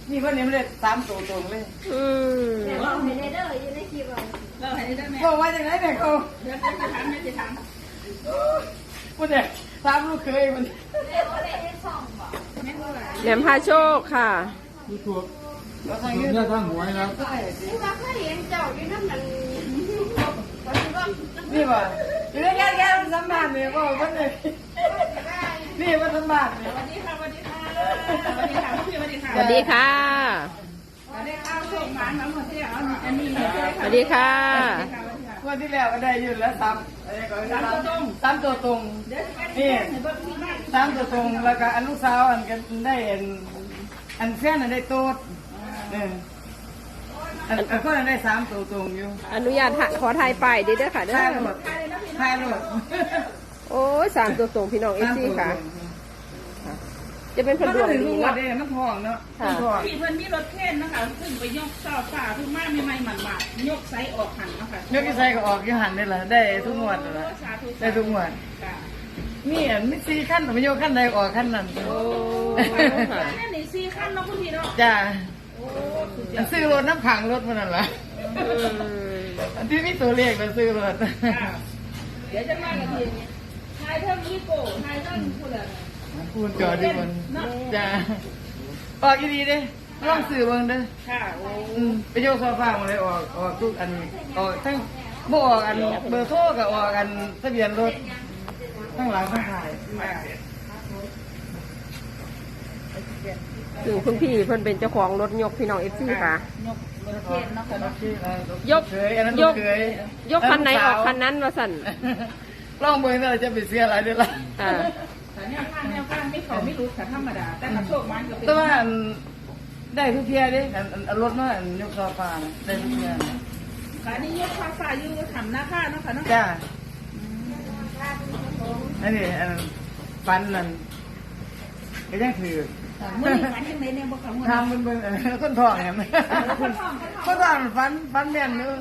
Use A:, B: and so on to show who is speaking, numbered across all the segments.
A: นี่วันนี้ไม่ได้3 ตัวตรงเลย
B: แต่เราให้ได้เด้ออยู่ในคลิปเราให้ได้แม่
A: เขาว่าจากไหนเนี่ยเขา
B: เดี๋ยวจะถามไม่จะถาม
A: วันนี้3 ลูกเคยมัน
C: แหลมพาโชคค่ะ
D: ดูถูก
A: เรา
D: ผ
A: ทาง
D: ม
A: ยืด
D: เนี่ยทั้งหวยครับ
B: ผู้ว่าเคยเห็นเจ้าอยู่นั่นนั่น
A: นี่ป่ะอยู่ในแก่สัมภาษณ์เนี่ยว่าวันนี้นี่มันสัมภาษณ์เนี่ย
B: สวัสดีค่ะสวัสดีค่ะสวัสดีค่ะพี่สวัสดีค่ะ
C: สวัสดีค่ะ
B: สวัสดีค่ะส่งหมาทั้งหมดที่เอาอันนี้
C: สวัสดีค่ะ
A: วันที่แล้วก็ได้ยืนแล้ว3 ตัวตรงนี่3 ตัวตรงแล้วก็อันลูกสาวอันกันได้อันแฟนอันได้โต๊ดอันคนอันได้3 ตัวตรงอยู่
C: อนุญาตขอถ่ายป้ายเด้อค่ะเด้อ
A: ทายรถ
C: โอ้ย3 ตัวตรงพี่น้องเอฟซีค่ะ จะเป็น
A: มั
C: พั
A: น
C: นดวง
A: ถึง
C: ดี
A: ทุกวั
C: เนาะ
A: นเลยมันทองเนาะมันทอง
B: พี่เพิ่นมีรถเข็นนะคะขึ้นไปยกเสาฝ่าทุกมาใหม่ๆหมันๆยกไซออกหันนะคะ
A: ยกที่ใส่ก็ออกยี่หันนี่แหละได้ทุกงวดเลยได้ทุกงวดนี่อันไม่ซีขั้นไม่โยกขั้นใดออกขั้นนั้น
C: โอ้
B: นั่นนี่4คันเนาะคุณพี่เนาะ
A: จ้าอันซื้อรถน้ำขังรถมันนั่นแหละอันที่มีตัวเลขมันซื้อรถ
B: เดี๋ยวจะมากันทีทายเท่านี้โก้ทายเท่าคุณอะ
A: พูดจอดีมันจ้าออกอีดีเด้ลองซื้อเบิ่งเด้อ
B: ค่ะโอ้
A: ไปโยกโซฟามาเลยออกทุกอันออกทั้งบ่ออกอันเบอร์โทรกับออกอันทะเบียนรถทั้งหลังทั้งท้าย
C: ถึงคุณพี่เพิ่นเป็นเจ้าของรถยกพี่น้องเอฟซีค่ะ ยก
A: เคยอันนั้น
C: ยก
A: เคย
C: ยกคันไหนออกคันนั้นว่าสั่น
A: ลองเบิ่งว่าจะไปเสียอะไรด้วยล่ะ
C: อ่า
B: แต่แนวข้างไม่เขาไม่รู้แต่ธรรมดา แต่กระโชกมันก็เป็น
A: แต่ว่าอันได้ทุกเที่ยเด้อันรถมาอันยกโซฟาน่ะได้ทุกเที่ยน่ะ
B: ค่ะนี่ยกฟ้าฟ้าอยู่ทำหน้าค่าเนาะค่ะเนาะ
A: จ้าอันนี้อันฟันนั่นก็ยังถือ
B: เมื่อนี้ฝันยังไงเนี่ยบอกเขาเงิน
A: ทำเป็นเบิ่งคนทองเห็นไหมคนทองฟันแม่นอยู่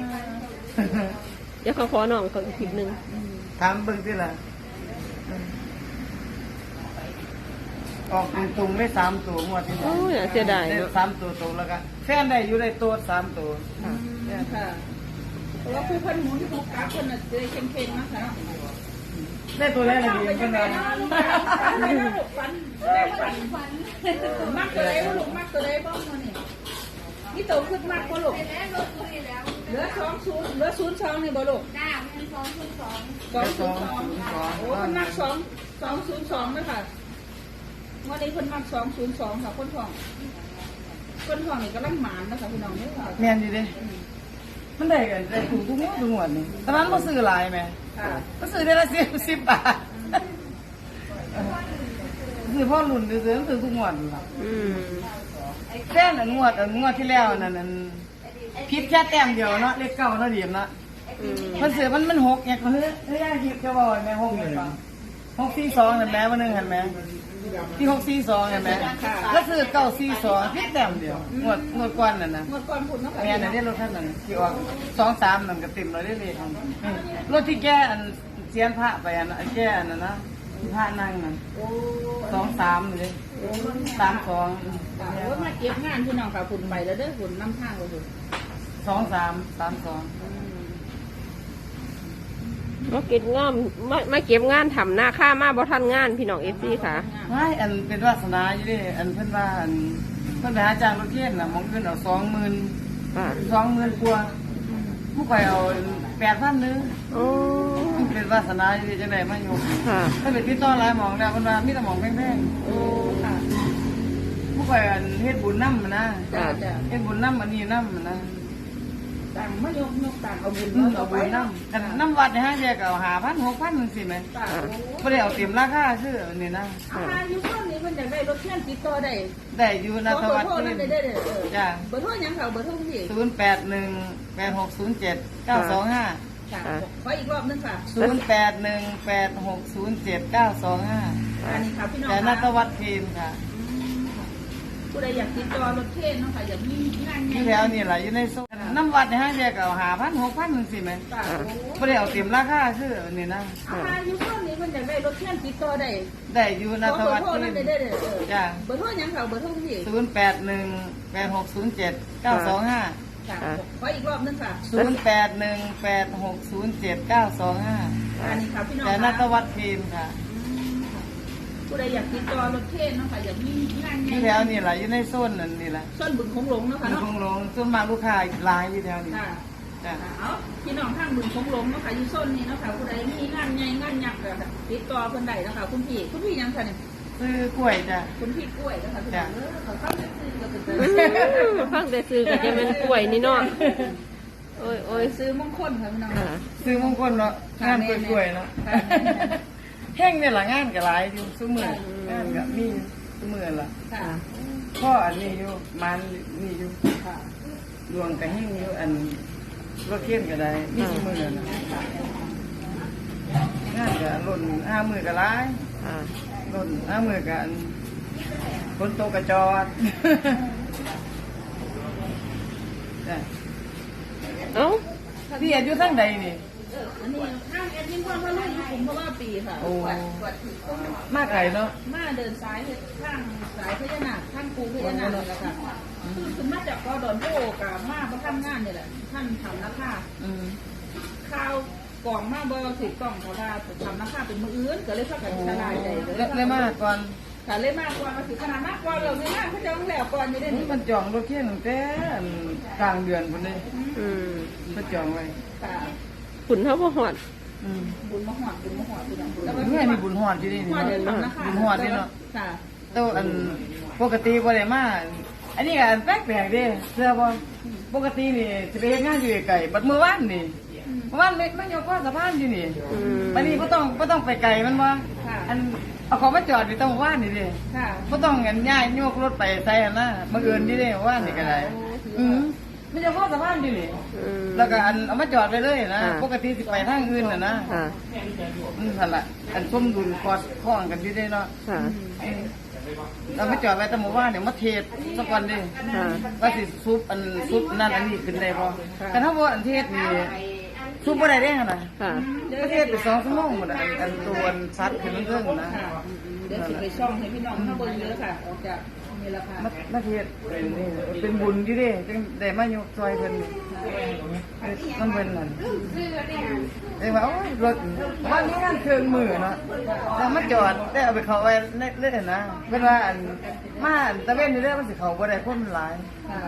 C: เดี๋ยวเขาขอน้องเขาอีกคลิปหนึง
A: ทำเบิ่งที่ละออกตรงๆได้3 ตัวงวดที่
C: โอ้ยน่าเสียดาย
A: ได้
C: เนาะ
A: 3 ตัวตรงแล้วก็แฟนได้อยู่ได้ตัว3 ตัว
B: ค่ะเพราะว่าผู้คนหมุนผู้กาคนน่ะจะเค็งๆนะคะเนาะ
A: ได้ตัวแรกเลยดี
B: เป็น
A: ขึ้
B: ยั
A: น
B: งไง
A: มา
B: เนาะฝันไปแล้วฝันได้ฝันมักตัวใดลูกมักตัวใดบ้างเนี่ยนี่โตขึ้นมากกว่าลูกเหลือ20เหลือ02นี่บ่ลูก
E: จ้าเป็น202
B: 202โอ้คนมัก202นะคะวันนี้คนมัก202ค่ะคนทองนี่กำลังหมานนะคะพี่น้องเนี่ยค่ะ
A: แม่นอยู่เด้มันได้กันได้ถูกทุกงวดนี่ตอนนั้นบ่ซื้อหลายแม่
B: ค่ะ
A: ก็ซื้อได้ละ10 บาทซื้อพ่อรุ่นซื้อซื้อทุกงวดล่ะ
C: อืม
A: แค่นั้นงวดที่แล้วนั่นผิดแค่แต้มเดียวเนาะเลขเก้าเนาะเดียมเนาะ
C: อืม
A: มันซื้อมัน6เนี่ยเฮ้ยคิดจะบอกแม่6เนี่ย642นั่นแม่วันนึงเห็นไหมที่642เห็นไหมก็ซื้อ942ผิดแต้มเดียวงวดก่อนนั่นน่ะ
B: เมื่อก่อนคุณเนาะค่ะ
A: แม่นั่นได้รถท่านนั่นที่ออก23นั่นก็เต็มเลยได้เลยรถที่แกอันเสียนพระไปอันแกอันนั้นนะที่พระนั่งนั่น23เลย32
B: โอ้มาเก็บงานพี่น้องค่ะคุณไปแล้วเด้อคุณนำทางเลยคุณ
A: 2332
C: มาเก็บงานมาเก็บงานทำหน้าค่ามาบ่ทันงานพี่น้องเอฟซีค่ะ
A: ไม่อันเป็นวาสนาอยู่ดิอันเพิ่นว่าอันเพิ่นไปหาจ้างรถเทียนน่ะมองเพิ่นเอา20,000
C: ค่ะ
A: 20,000กว่าผู้ข่อยเอา8,000นึง
C: โอ้
A: มันเป็นวาสนาอยู่ดิจังได๋มาอยู่
C: ค่ะ
A: เพิ่นไปติดต่อหลายหม่องแล้วเพิ่นว่ามีแต่หม่องแพง
B: โอ้ค่ะ
A: ๆผู้ข่อยอันเฮ็ดบุญนำนะ
B: จ้าจ้า
A: เฮ็ดบุญนำอันนี้นำนะ
B: ต่างมายกต่างเอาบุญ
A: เอาบุญนำกันนำวัดในห้างแยกก็เอา5,000 6,000จังซี่แหม
B: ต่าง
A: บ่ได้เอาเต็มราคาคืออันนี้นะ
B: อาหารอยู่ข้างนี้มันจะได้รถเที่ยนติดต่อได้
A: ได้อยู่นะทวัด
B: เบอร์โทร
A: เพิ่
B: นั่
A: น
B: นได้จ้าเบอร์โทรยังเขาเบอร์โทรพี่
A: 0818607925
B: ค่ะขออีกรอบนึงค่ะ
A: 0818607925
B: อันนี้ค่ะพี่น้อง
A: แต่นัตวัดทีมค่ะ
B: ผู้ใดอยากติดต่อรถเที่ยนเนาะค่ะอยากมีงาน
A: ที่แล้วนี่แหละอยู่ในโซนน้ำวัดในห้างแยกเอา5,000 6,000จังซี่แหม
B: ต่าง
A: บ่ได้เอาเต็มราคาคืออันนี้นะ
B: อาหารอยู่ข้างนี้เพิ่นอยากได้รถเทียนติดต่อได้
A: ได้อยู่
B: ข
A: นะ
B: อ
A: ส
B: เบอ
A: วัส
B: ร์โทร
A: ดี
B: นั่นได้เด้อ
A: จ้า
B: เบอร์โทรหยังค่ะเบอร์โทรคุณพี่
A: 0818607925
B: ค่ะขออีกรอบนึงค่ะ
A: 0818607925
B: อันนี้ค่ะพี่น้อง
A: แต่นักวัดทีมค่ะ
B: ผู้ใดอยากติดต่อรถเทียนเนาะค่ะอยากมีงาน
A: อยู่แถวนี่แหละอยู่ในโซนนั่นนี่แหละ
B: ส้นบึงคงหลงเนาะค่ะ
A: อยู่
B: เนาะ
A: คงหลงส่วนมากลูกค้าหลายอยู่แถวนี้
B: ค่ะ
A: จ้ะ
B: เอาพี่น้องทางบึงคงหลงเนาะค่ะอยู่ส้นนี้เนาะค่ะผู้ใดมีงานใหญ่งานยักษ์ก็ติดต่อเพิ่นได้เนาะค่ะคุณพี่ยังค่ะเนี่ย
A: ซื้อกล้วยจ้ะ
B: คุณพี่กล้วยเนาะค่ะพี่น้องเขาเข้าไปซื้อก็ถึง
C: ฟังแต่ซื้อก็จะเป็นกล้วยนี่เนาะโอ้ยโอ้ย
B: ซื้อมงคลค่ะพี่น้อง
C: ค่ะ
A: ซื้อมงคลเนาะงานกล้วยๆเนาะแห้งเนี่ยละงานก็หลายอยู่ซุมื้องานก็มีซุมื้อละ
B: ค่ะ
A: พ่ออันนี้อยู่มันนี่อยู่
B: ค่ะ
A: ดวงก็แห้งอยู่อันรถเคียนก็ได้มีซุมื้อนะงานก็ล้น5มื้อก็หลาย
C: ค่ะ
A: ล้น5มื้อก็อันฝนตกก็จอด จ้ะ
C: เอ้า
A: พี่อายุทั้งใดนี่
B: อันนี้ห้างแอดมินพ่อพ่อลูกผมเพราะว่าปีค่ะ
A: โอ้
B: กวดถือต้น
A: มากไก่เนาะ
B: มาเดินสายข้างสายพญานาคข้างปูพญานาคเลยละค่ะคือคุณมาจากกอดอนโพกับมาประทำงานเนี่ยแหละท่านทำราคา
A: อืม
B: ข้าวกล่องมาบ่ถือกล่องเขาว่าทำราคาเป็นมืออื่นก็เลยเข้ากับชลายใจ
A: เลยมาก่อน
B: ค่ะเลยมากกว่ามาถือขนาดมากกว่าเราในงานเขาจะต้องแล้วก่อนอยู่ได้
A: นี่
B: นี่
A: มันจองรถเที่ยงตั้งแต่กลางเดือนพุ่นเลย
C: อืม
A: มันจองไว้
B: ค่ะ
C: ขุนเท่าพ่อหอด
A: อืม
B: บุญมหอดบุญมหอดพี่น้อง
A: เมื่อมีบุญหอดที่นี่
B: หอดเดือน
A: เนาะ
B: ทำราคา
A: บุญหอดที่เนาะ
B: ค่ะ
A: แต่ว่าอันปกติบ่ได้มาอันนี้ก็อันแปลกๆเด้เสื้อบ่ปกตินี่สิไปเฮ็ดงานอยู่ไกลบัดมื้อวานนี่เมื่อวานมันยกข้อสะพานอยู่นี่
C: อืม
A: วันนี้บ่ต้องไปไกลมันบ่อันเอาของมาจอดอยู่ตรงว่านนี่เด้
B: ค่ะ
A: บ่ต้องกันย้ายโยกรถไปใส่หั่นนะบังเอิญนี่เด้ว่านนี่ก็ได้มันจะข้อสะพานอยู่นี่
C: อืม
A: แล้วก็อันเอามาจอดไปเลยนะ
C: อ่า
A: ปกติสิไปทางอื่นน่ะนะ
C: ค่ะ
A: นั่นล่ะอันสมดุลกอดข้องกันอยู่เด้เนาะ
C: ค่ะ
A: เรามาจอดไว้แต่หมู่บ้านเดี๋ยวมาเทศสักวันดิ
C: ค่ะ
A: ว่าสิซุปนั่นอันนี้ขึ้นได้บ่แต่ถ้าว่าอันเทศนี่ซุปบ่ได้เด้หั่นน่ะ
C: ค่ะ
A: ประเทศไป2 ชั่วโมงหมดอันตัวซัดขึ้นเรื่องนะ
B: ค่ะเดี๋ยวสิไปช่องให้พี่น้องข้างบนเยอะค่ะออกจากนี่ละค่ะ
A: มาเทศเป็นบุญอยู่เด้จังได้มายกซอยเพิ่นมันเพิ่นนั่นเอ้ว่าโอ้ยรถวันนี้งานเครื่องมือเนาะแล้วมาจอดได้เอาไปเข้าไว้เล่นนะเพิ่นว่าอันมาอันตะเวนนี่เด้อมันสิเข้าบ่ได้คนมันหลาย
B: ค่ะ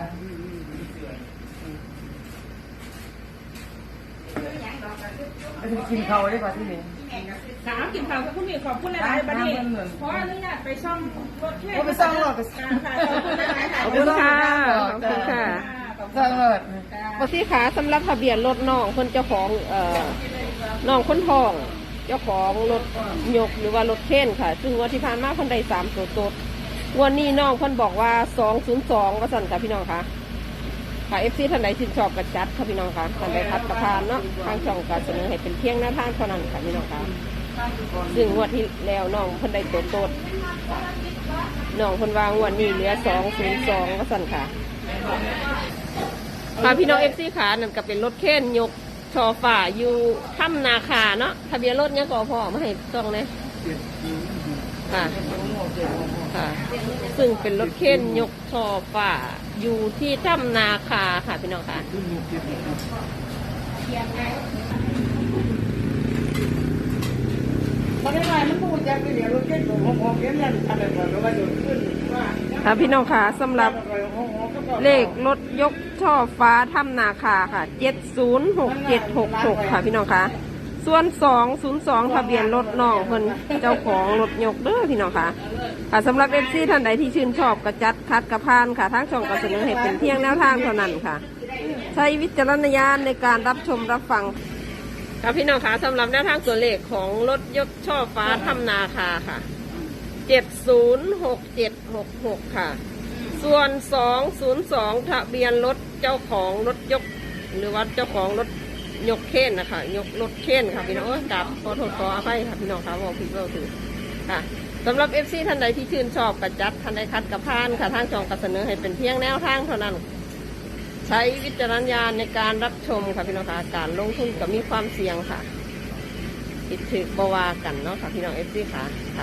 A: ไปกินข้าวได้ป่ะที่นี่
B: ถามกินข้าวกับคุณพี่ขอบคุณหลายๆบัดนี้ขออนุญาตไปช่องรถเทศ
A: โอ้ไปสร้างรถไป
B: ค่ะขอบคุณหลายๆค่ะ
C: ขอบคุณค่ะ ขอบคุณค่ะ
A: สร้างรถ
C: ปกติขาสำหรับทะเบียนรถน้องคนเจ้าของน้องคนทอง เจ้าของรถยกหรือว่ารถเข็นค่ะ ซึ่งวันที่ผ่านมาคนใด3 ตัวตดวันนี้น้องคนบอกว่า202ว่าสั่นค่ะพี่น้องค่ะค่ะ FC ท่านใดชื่นชอบกระจัดค่ะพี่น้องค่ะท่านใดพัดประทานเนาะทางช่องการเสนอให้เป็นเพียงหน้าทางเท่านั้นค่ะพี่น้องค่ะซึ่งงวดที่แล้วน้องคนใดตัวตดน้องคนวางวันนี้เหลือ202ว่าสั่นค่ะ ค่ะพี่น้อง FC ขานั่นก็เป็นรถเข็นยกชอฝ่าอยู่ถ้ำนาคาเนาะทะเบียนรถเนี่ยก็พอมาให้ต้องเลยค่ะค่ะ ซึ่งเป็นรถเข็นยกชอฝ่าอยู่ที่ถ้ำนาคาค่ะพี่น้องค่ะ
A: ตอนนี้ไงมันพูดจากที่เดียวรถเก๋งของเก๋งนั่นอะไรก่อนแล้วว่าโดนขึ้นว่า
C: ค่ะพี่น้องค่ะสำหรับเลขรถยกช่อฟ้าถ้ำนาคาค่ะ706766ค่ะพี่น้องค่ะส่วน202ทะเบียนรถน้องเพิ่นเจ้าของรถยกเด้อพี่น้องค่ะค่ะสำหรับ FC ท่านใดที่ชื่นชอบกระจัดคัดกระพานค่ะทางช่องก็เสนอให้เป็นเพียงแนวทางเท่านั้นค่ะ ใช้วิจารณญาณในการรับชมรับฟังค่ะพี่น้องค่ะสำหรับแนวทางตัวเลขของรถยกช่อฟ้าถ้ำนาคาค่ะ706766ค่ะส่วน202ทะเบียนรถเจ้าของรถยกหรือว่าเจ้าของรถยกเข็นนะคะยกรถเข็นค่ะพี่น้องกับขอโทษขออภัยค่ะพี่น้องค่ะบอกผิดเราถือค่ะสำหรับ FC ท่านใดที่ชื่นชอบกระจัดท่านใดคัดกระพานค่ะทางช่องก็เสนอให้เป็นเพียงแนวทางเท่านั้นใช้วิจารณญาณในการรับชมค่ะพี่น้องค่ะการลงทุนก็มีความเสี่ยงค่ะผิดถึกบวากันเนาะค่ะพี่น้อง FC ค่ะค่ะ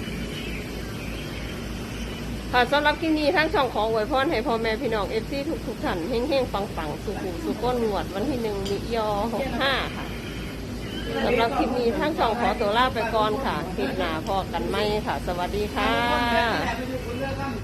C: ค่ะสำหรับคลิปนี้ทั้งช่องของอวยพรให้พ่อแม่พี่น้อง FC ทุกท่านเฮงๆปังๆสุขก้นหนวดวันที่1มิย65ค่ะสำหรับคลิปนี้ทั้งช่องขอตัวลาไปก่อนค่ะคลิปหน้าพอกันไหมค่ะ สวัสดีค่ะ